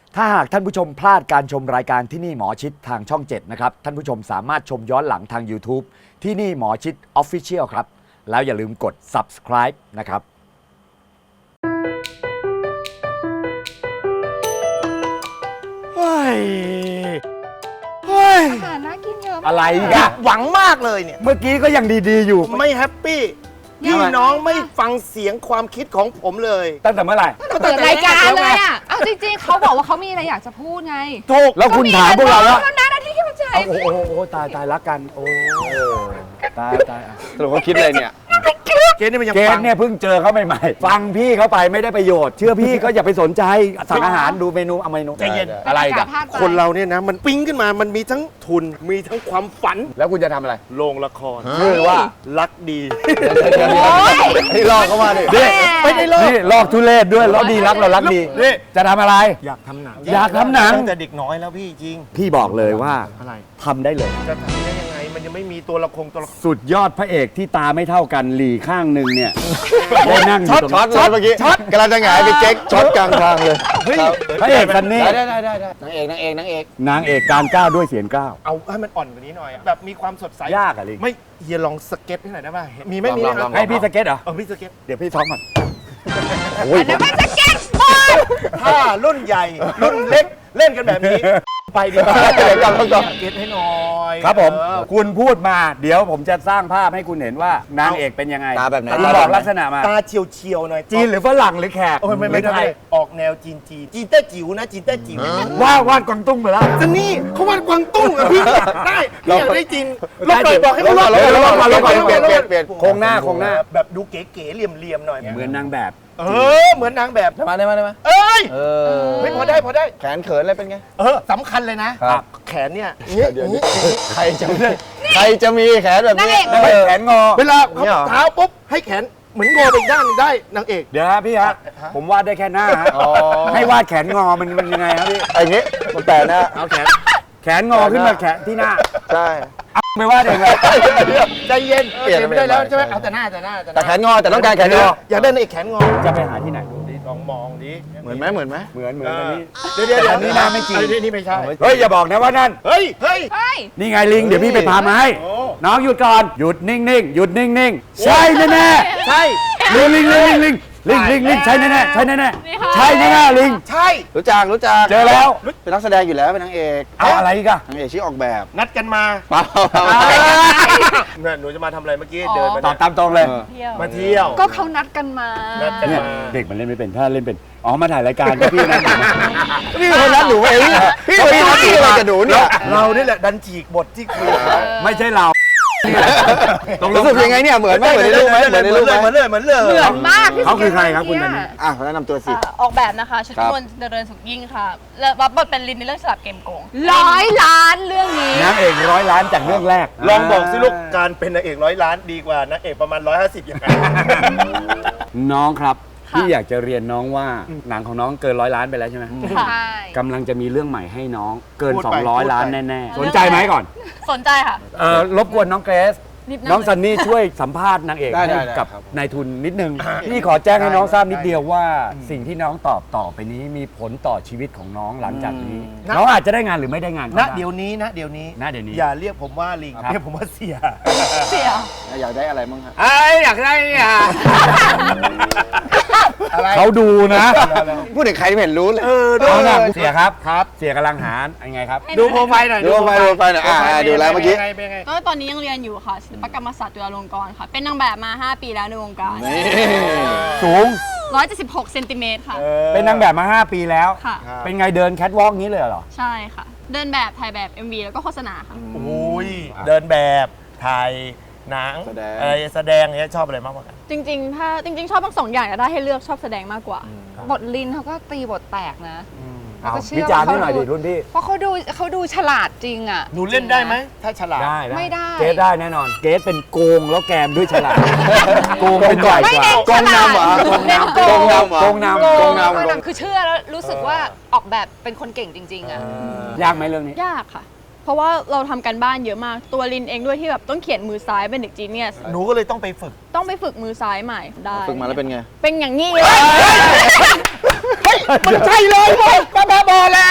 ถ้าหากท่านผู้ชมพลาดการชมรายการที่นี่หมอชิดทางช่อง 7 นะครับ ท่านผู้ชมสามารถชมย้อนหลังทาง YouTube ที่นี่หมอชิด Official ครับ แล้วอย่าลืมกด subscribe นะครับเฮ้ยอาหารน่ากินเยอะอะไรอกัยาน กหวังมากเลยเนี่ยเมื่อกี้ก็ยังดีๆอยู่ไม่แฮปปี้พี่น้องไม่ฟังเสียงความคิดของผมเลยตั้งแต่เมื่อไหร่เปิดรายการเลยอ่ะเอาจริงๆเขาบอกว่าเขามีอะไรอยากจะพูดไงถูกแล้วคุณถามพวกเราว่าเท่านั้นนะที่เข้าใจโอ้โหตายรักกัน โอ้ตายสรุปว่าคิดอะไรเนี่ยเกณฑ์นี่มันยังเกฟัณงเนี่ยเพิ่งเจอเขาใหม่ๆ ฟังพี่เขาไปไม่ได้ประโยชน์ เชื่อพี่ก็อย่าไปสนใจสั่งอาหารดูเมนูเอาเมนูใจเย็นอะไรกันคนเราเนี่ยนะ มันปิ้งขึ้นมามันมีทั้งทุนมีทั้งความฝันแล้วคุณจะทำอะไรโรงละครชื่อว่ารักดีให้รอเข้ามาดิไม่ได้เลิกนี่ลอกทุเรศด้วยแล้วดีรักเรารักดีนี่จะทำอะไรอยากทำหนังอยากทำหนังตั้งแต่เด็กน้อยแล้วพี่จริงพี่บอกเลยว่าอะไรทำได้เลยจะทำได้ยังไงมันยังไม่มีตัวละครสุดยอดพระเอกที่ตาไม่เท่ากันหลีข้างหนึ่งเนี่ยได้นั่งอช็อยู่ ตตรงช็อตเลยเมื่อกี้ช็อตกำลังจะหงายไปเจ๊กช็อตกลางทางเลยเฮ้ยพระเอกซันนี่ได้นางเอกนางเอกการก้าวด้วยเสียงก้าวเอาให้มันอ่อนกว่านี้หน่อยแบบมีความสดใสยากอะลิงไม่เฮียลองสเก็ตให้หน่อยได้ป่ะมีไหมมีลองให้พี่สเก็ตเหรอพี่สเก็ตเดี๋ยวพี่ซ้อมก่อนโอ้ยแล้วมันจะเก็ตบอลถ้ารุ่นใหญ่รุ่นเล็กเล่นกันแบบนี้ ไปดีกว่าเดี๋ยวก่อนเก็ตให้หน่อยครับผมเออคุณพูดมาเดี๋ยวผมจะสร้างภาพให้คุณเห็นว่านางเอกเป็นยังไงตาแบบไหนคุณบอกลักษณะมาตาเฉียวๆหน่อยจีนหรือฝรั่งหรือแขกโอ้ยไม่หรือได้ไทยออกแนวจีนเต้จิ๋วนะจีนเต้จิ๋ววาดกวางตุ้งไปแล้วจะนี่เขาวาดกวางตุ้งอะพี่ได้พี่อยากได้จีนลได้บหน่อยจีนบอกให้เขาลบลบก่อนลบก่อนเปลี่ยนเปลี่ยนโครงหน้าแบบดูเก๋ๆเหลี่ยมๆหน่อยเหมือนนางแบบเหมือนนางแบบได้มาเอ้ยเออเฮ้ยพอได้แขนเขินอะไรเป็นไงสำคัญเลยนะครับ แขนเนี่ยเดี๋ยวใครจะมีแขนแบบนี้ไม่แขนงอเวลาเนี่ยเหรอเท้าปุ๊บให้แขนเหมือนงอไปอีกด้านหนึ่งได้นางเอกเดี๋ยวฮะพี่ฮะผมวาดได้แค่หน้าฮะอ๋อให้วาดแขนงอมันยังไงครับพี่ไอ้เงี้ยมันแต่นะเอาแขนงอขึ้นมาแขนที่หน้าใช่ไม่วาดเองเลยใจเย็นเปลี่ยนไม่ได้แล้วใช่ไหมเปลี่ยนเอาแต่หน้าแต่แขนงอแต่ต้องการแขนงออยากได้นางเอกแขนงอจะไปหาที่ไหนลองมองดิเหมือนไหมเหมือนอันนี้เดี๋ยวอันนี้หน้าไม่จริงนี่ไม่ใช่เฮ้ยอย่าบอกนะว่านั่นเฮ้ยเฮ้ยนี่ไงลิงเดี๋ยวพี่ไปพามาให้โอ้น้องหยุดก่อนหยุดนิ่งๆหยุดนิ่งๆใช่แน่ๆใช่ลิงใช่แน่ๆใช่แน่ๆใช่แน่ๆลิงใช่รู้จักเจอแล้วเป็นนักแสดงอยู่แล้วเป็นนางเอกเอาอะไรอีกอะนางเอกชื่อออกแบบนัดกันมาเปล่าเนี่ยหนูจะมาทำอะไรเมื่อกี้เดินมาตอบตามตรงเลยมาเที่ยวก็เขานัดกันมานัดกันเนี่ยมาเด็กมันเล่นไม่เป็นถ้าเล่นเป็นอ๋อมาถ่ายรายการก็พี่นะพี่คนนั้นหนูเองพี่คนนี้พี่อะไรกับหนูเนี่ยเรานี่แหละดันฉีกบทที่คุยกันไม่ใช่เรารู้สึกยังไงเนี่ยเหมือนไหมเหมือนในรูปไหมเหมือนในรูปไหมเหมือนเลยเหมือนมากพี่เขาคือใครครับคุณนันนี่อ่ะแนะนำตัวสิออกแบบนะคะชุดครับนวลเจริญสุขยิ่งค่ะและรับบทเป็นลินในเรื่องสลับเกมโกง 100 ล้านเรื่องนี้นางเอก100 ล้านจากเรื่องแรกลองบอกสิลูกการเป็นนางเอก100 ล้านดีกว่านางเอกประมาณ150ยังไงน้องครับพี่อยากจะเรียนน้องว่าหนังของน้องเกิน100 ล้านไปแล้วใช่ไหมใช่กำลังจะมีเรื่องใหม่ให้น้องเกินพูดไป 200 ล้านแน่ๆสนใจไหมก่อนสนใจค่ะรบกวนน้องเกรซนิดน้องซันนี่ช่วยสัมภาษณ์นางเอกได้ให้ได้กับครับนายทุนนิดนึง พี่ขอแจ้งให้น้องทราบนิดเดียวว่าสิ่งที่น้องตอบต่อไปนี้มีผลต่อชีวิตของน้องหลังจากนี้ น้องอาจจะได้งานหรือไม่ได้งานก็ณได้เดี๋ยวนี้ณเดี๋ยวนี้อย่าเรียกผมว่าลิงครับเรียกผมว่าเสียเสียอยากได้อะไรบ้างครับอยากได้อะไรเขาดูนะพูดถึงใครไม่เห็นรู้เลยเอานะเสียครับเสียกำลังหายังไงครับดูโปรไฟล์หน่อยดูโปรไฟล์หน่อยดูแล้วเมื่อกี้เป็นไงก็ตอนนี้ยังเรียนอยู่ค่ะศิลปกรรมศาสตร์จุฬาลงกรณ์ค่ะ เป็นนางแบบมา 5 ปีแล้วในวงการนี่สูง 176 เซนติเมตรค่ะเป็นนางแบบมา 5 ปีแล้วค่ะเป็นไงเดินแคทวอล์กนี้เลยเหรอใช่ค่ะ เดินแบบถ่ายแบบ MV แล้วก็โฆษณาค่ะโอ้ยเดินแบบถ่ายหนังแสดงอะไรแสดงเนี่ยชอบอะไรมากกว่ากันจริงๆชอบทั้งสองอย่างแต่ถ้าให้เลือกชอบแสดงมากกว่าบทลินเขาก็ตีบทแตกนะเอาก็เชื่อวิจารณ์ว่าให้หน่อยเขาดิรุ่นพี่เพราะเขาดูฉลาดจริงอ่ะหนูเล่นได้ไหมถ้าฉลาดไม่ได้เกสได้แน่นอน เกสเป็นโกงแล้วแกมด้วยฉลาด โกงเป็นบ่อยไม่กว่าเน้นโกงนำเหรอเน้นโกงนำเหรอโกงนำโกโกงงนำโกงนำคือเชื่อแล้วรู้สึกว่าออกแบบเป็นคนเก่งจริง ๆ อ่ะยากไหมเรื่องนี้ยากค่ะ เพราะว่าเราทำกันบ้านเยอะมาก ตัวลินเองด้วยที่แบบต้องเขียนมือซ้ายเป็นเด็กจีเนียสหนูก็เลยต้องไปฝึกต้องไปฝึกมือซ้ายใหม่ได้ฝึกมาแล้วเป็นไงเป็นอย่างนี้เลยมันใช่เลยเว้ยบ้าบอแล้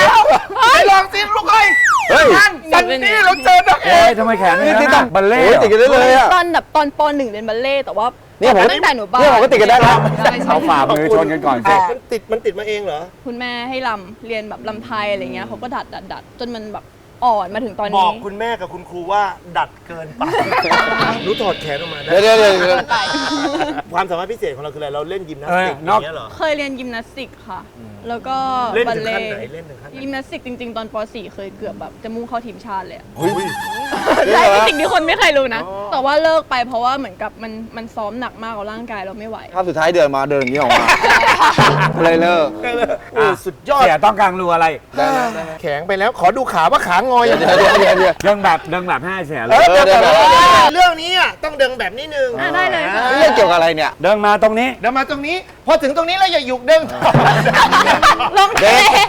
ไมแขนนี่ต้องบัลเล่ติดกันได้เลยอ่ะตอนแบบตอนป .1 เรียนบัลเล่ต์แต่ว่าเนี่ยผมตั้งแต่หนูบ้าเนี่ยผมก็ติดกันได้แล้วเอาฝ่ามือชนกันก่อนสิมันติดมาเองเหรอคุณแม่ให้ลำเรียนแบบลำไทยอะไรเงี้ยเขาก็ดัดจนมันแบบอ่อนมาถึงตอนบนี้อกคุณแม่กับคุณครูว่าดัดเกินไปรู้ถอดแขนออกมาได้เดี๋ยวความสามารถพิเศษของเราคืออะไรเราเล่นยิมนาสติกเอออนอกย่างเงี้ยเหรอเคยเรียนยิมนาสติกค่ะ แล้วก็เล่นบัลถึงเล่ขั้นต์ไหนเล่นถึงขั้นไหนยิมนาสติกจริง ๆ ตอนป .4 เคยเกือบแบบจะมุ่งเข้าทีมชาติเลยอะอุ้ยใช่เป็นสิ่งที่คนไม่เคยรู้นะ แต่ว่าเลิกไปเพราะว่าเหมือนกับมันซ้อมหนักมากกับร่างกายเราไม่ไหวภาพสุดท้ายเดินอย่างนี้ออกมาเลยเลิกโอ้สุดยอดเสียต้องการรู้อะไรได้ไหมแข็งไปแล้วขอดูขาว่าขางอยอย่างเดียวเดี๋ยวเรื่องแบบให้เสียเลเอย อเดี๋ยวเรื่องนี้อ่ะต้องเดินแบบนี้นึงได้เลยค่ะเรื่องเกี่ยวกับอะไรเนี่ยเดินมาตรงนี้เดินมาตรงนี้ พอถึงตรงนี้แล้วอย่าหยุกเดินต่อลงเท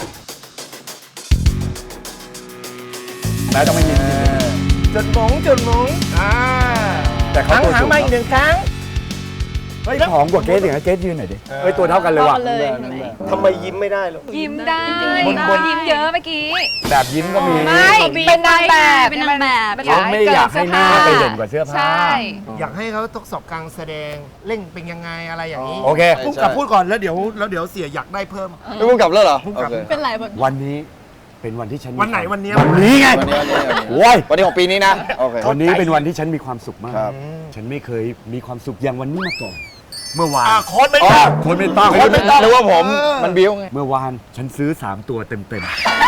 แล้วต้องไม่ยินจุดหมงแต่เขาหางตัวหางสูงมาอีกหนึ่งครั้งเฮ้ยผอมกว่าเกสอีกนะเกสยืนหน่อยดิเฮ้ยตัวเท่ากันเลยว่ะต่อเลยเห็นไหมทำไมยิ้มไม่ได้หรอยิ้มได้จริงๆคนยิ้มเยอะเมื่อกี้แบบยิ้มก็มีไม่ เป็นนางแบบเป็นนางแบบเป็นเขาไม่อยากให้หน้าไปเด่นกว่าเสื้อผ้าใช่อยากให้เขาทดสอบการแสดงเล่นเป็นยังไงอะไรอย่างนี้โอเคพูดกับพูดก่อนแล้วเดี๋ยวเสียอยากได้เพิ่มไม่พุ่งกลับแล้วเหรอพุ่งกลับโอเคเป็นไรแบบวันนี้เป็นวันที่ฉันวันไหนวันเนี้ยวันนี้ไงวันนี้โว้ยวันนี้ของปีนี้นะโอเควันนี้เป็นวันที่ฉันมีความสุขมากครับฉันไม่เคยมีความสุขอย่างวันนี้มาก่อน เมื่อวานโค้ดไม่ต้องคนไม่ต้องคนไม่ต้องนึกว่าผมมันบิ้วไงเมื่อวานฉันซื้อ3ตัวเต็ม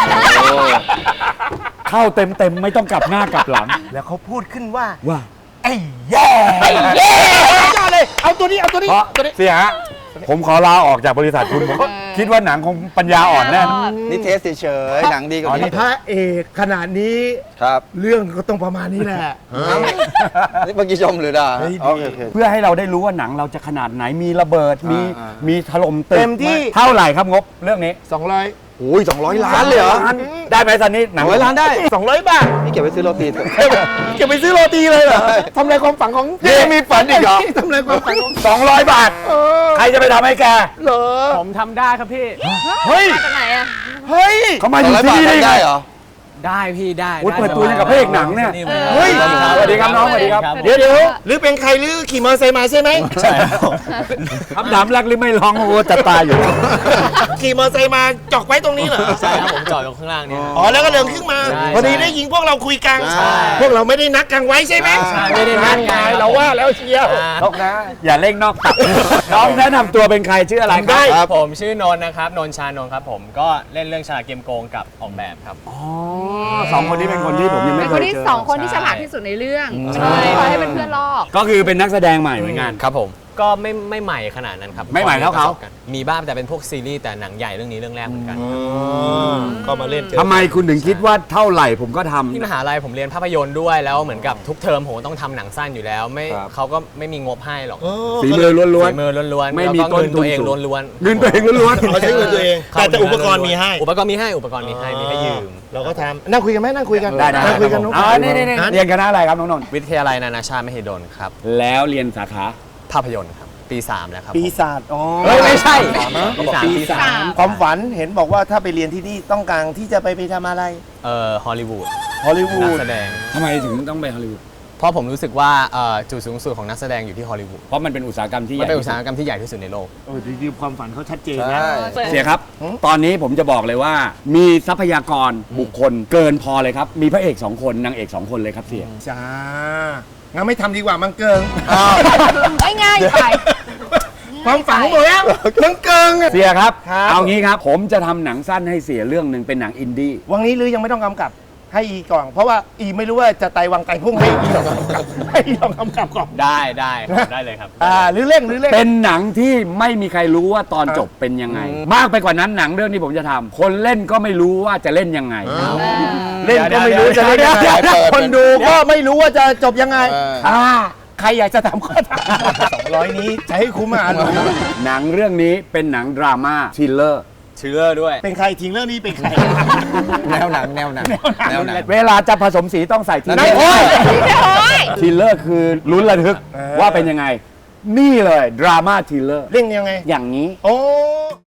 ๆเข้าเต็มๆไม่ต้องกลับหน้ากลับหลังแล้วเขาพูดขึ้นว่าว่าไอ้แย่ยอดเลยเอาตัวนี้เอาตัวนี้เพราะตัวนี้เสียฮะผมขอลาออกจากบริษัทคุณผมก็คิดว่าหนังคงปัญญาอ่อนแน่นะนี่เทสเฉยๆหนังดีกว่านี้พระเอกขนาดนี้ครับเรื่องก็ต้องประมาณนี้แหละนี่เมื่อกี้ชมหรือด่าเฮ้ยโอเคเพื่อให้เราได้รู้ว่าหนังเราจะขนาดไหนมีระเบิดมีอ่ามีถล่มตึกเต็มที่เท่าไหร่ครับงบเรื่องนี้ 200 โอ้ย200 ล้านเลยเหรอได้ไหมซันนี่หนัง 200 ล้านได้ 200 บาทนี่เก็บไว้ซื้อโรตีเถอะเก็บไปซื้อโรตีเลยเหรอใช่ทำลายความฝันของนี่มีฝันอีกเหรอทำลายความฝันของ 200 บาท ใครจะไปทำให้แกเหรอผมทำได้ครับพี่เฮ้ยจากไหนอะเฮ้ยเขามาอยู่ 200 ที่บาทนี่ได้ไงได้เหรอได้พี่ได้โอ้ยได้เปิดตัวอย่างกับพระเอกหนังเนี่ยนี่เฮ้ยสวัสดีครับน้องสวัสดีครับครับเดี๋ยวหรือเป็นใครหรือขี่มอเตอร์ไซค์มาใช่ไหมใช่ครับคำถามแรกหรือไม่ร้องโอ้โหจะตายอยู่ขี่มอเตอร์ไซค์มาจอกไว้ตรงนี้เหรอใช่ครับผมจอดอยู่ข้างล่างเนี่ยอ๋อแล้วก็เดินขึ้นมาใช่พอดีได้ยิงพวกเราคุยกันใช่พวกเราไม่ได้นัดกันไว้ใช่ไหมใช่ไม่ได้นัดไงเราว่าแล้วเชียวนกนะ อย่าเร่งนอกตับน้องแนะนำตัวเป็นใครชื่ออะไรครับครับผมชื่อนนท์นะครับนนท์ชานนท์ครับผมก็เล่นเรื่องฉลาดเกมโกงกับออกแบบครับสองคนนี้เป็นคนที่ผมยังเป็ไม่นเคคนยที่เจอสองคนที่ฉลาดที่สุดในเรื่องใช่คอยให้เป็นเพื่อนลอกก็คือเป็นนักแสดงใหม่เหมือนกันครับผมก็ไม่ใหม่ขนาดนั้นครับไม่ใหม่เท่าเขามีบ้างแต่เป็นพวกซีรีส์แต่หนังใหญ่เรื่องนี้เรื่องแรกเหมือนกันก็มาเล่นเจอทำไมคุณถึงคิดว่าเท่าไหร่ผมก็ทำที่มหาลัยผมเรียนภาพยนตร์ด้วยแล้วเหมือนกับทุกเทอมผมต้องทำหนังสั้นอยู่แล้วไม่ครับเขาก็ไม่มีงบให้หรอกฝีมือล้วนฝีมือล้วนๆไม่มีแล้วก็ต้นทุนเงินตัวเองสูงล้วนๆเงินตัวเองล้วนเขาใช้เงินตัวเอง แต่อุปกรณ์มีให้อุปกรณ์มีให้อุปกรณ์มีให้มีให้ยืมเราก็ทำนั่งคุยกันไหมนั่งคุยกันได้ได้นั่งคุยกันน้องนี่เรียนคณะอะไรครับน้องนนท์วิทยาลัยนานาชาติมหิดลครับแล้วเรียนสาขาภาพยนตร์ครับปี 3 แล้วครับปีศาจอ๋อเฮ้ยไม่ใช่ปีสามความฝันเห็นบอกว่าถ้าไปเรียนที่นี่ต้องการที่จะไปทำอะไรฮอลลีวูดฮอลลีวูนักดแสดงทำไมถึงต้องไปฮอลลีวูดเพราะผมรู้สึกว่าจุดสูงสุดของนักแสดงอยู่ที่ฮอลลีวูดเพราะมันเป็นอุตสาหกรรมที่ใหมันญ่เป็นอุที่ตสุสาดหกรรมที่ใหญ่ที่สุดในโลกจริงๆความฝันเขาชัดเจนใช่นะเสียครับ ตอนนี้ผมจะบอกเลยว่า มีทรัพยากรบุคคลเกินพอเลยครับ มีพระเอก2คนนางเอก2คนเลยครับเสียจ้างั้นไม่ทำดีกว่ามังเกิงง่ายๆไปความฝันของผมแล้วมังเกิงอะเสียครับครับเอางี้ครับ ผมจะทำหนังสั้นให้เสียเรื่องหนึ่งเป็นหนังอินดี้วังนี้หรือยังไม่ต้องกำกับให้อีก่อนเพราะว่าอีไม่รู้ว่าจะไตวังไตพุ่งให้อีลองกำกับให้อีลองกำกับก่อนได้เลยครับหรือเร่งหรือเร่งเป็นหนังที่ไม่มีใครรู้ว่าตอนจบเป็นยังไง มากไปกว่านั้นหนังเรื่องที่ผมจะทำคนเล่นก็ไม่รู้ว่าจะเล่นยังไงเล่นก็ไม่รู้จะเล่นยังไงเดี๋ยวคนดูก็ไม่รู้ว่าจะจบยังไงเออใครอยากจะทำก็ทำ200 นี้จะให้คุ้มอ่านหนังเรื่องนี้เป็นหนังดราม่าทริลเลอร์เชื่อด้วยเป็นใครทิ้งเรื่องนี้เป็นใครแนวหนังแนวหนังเวลาจะผสมสีต้องใส่ทริลเลนั่อน ร์โอ้ยทริลเลอร์คือลุ้นระทึกว่าเป็นยังไง นี่เลยดราม่าทริลเลอร์เร่งยังไงอย่างนี้โอ้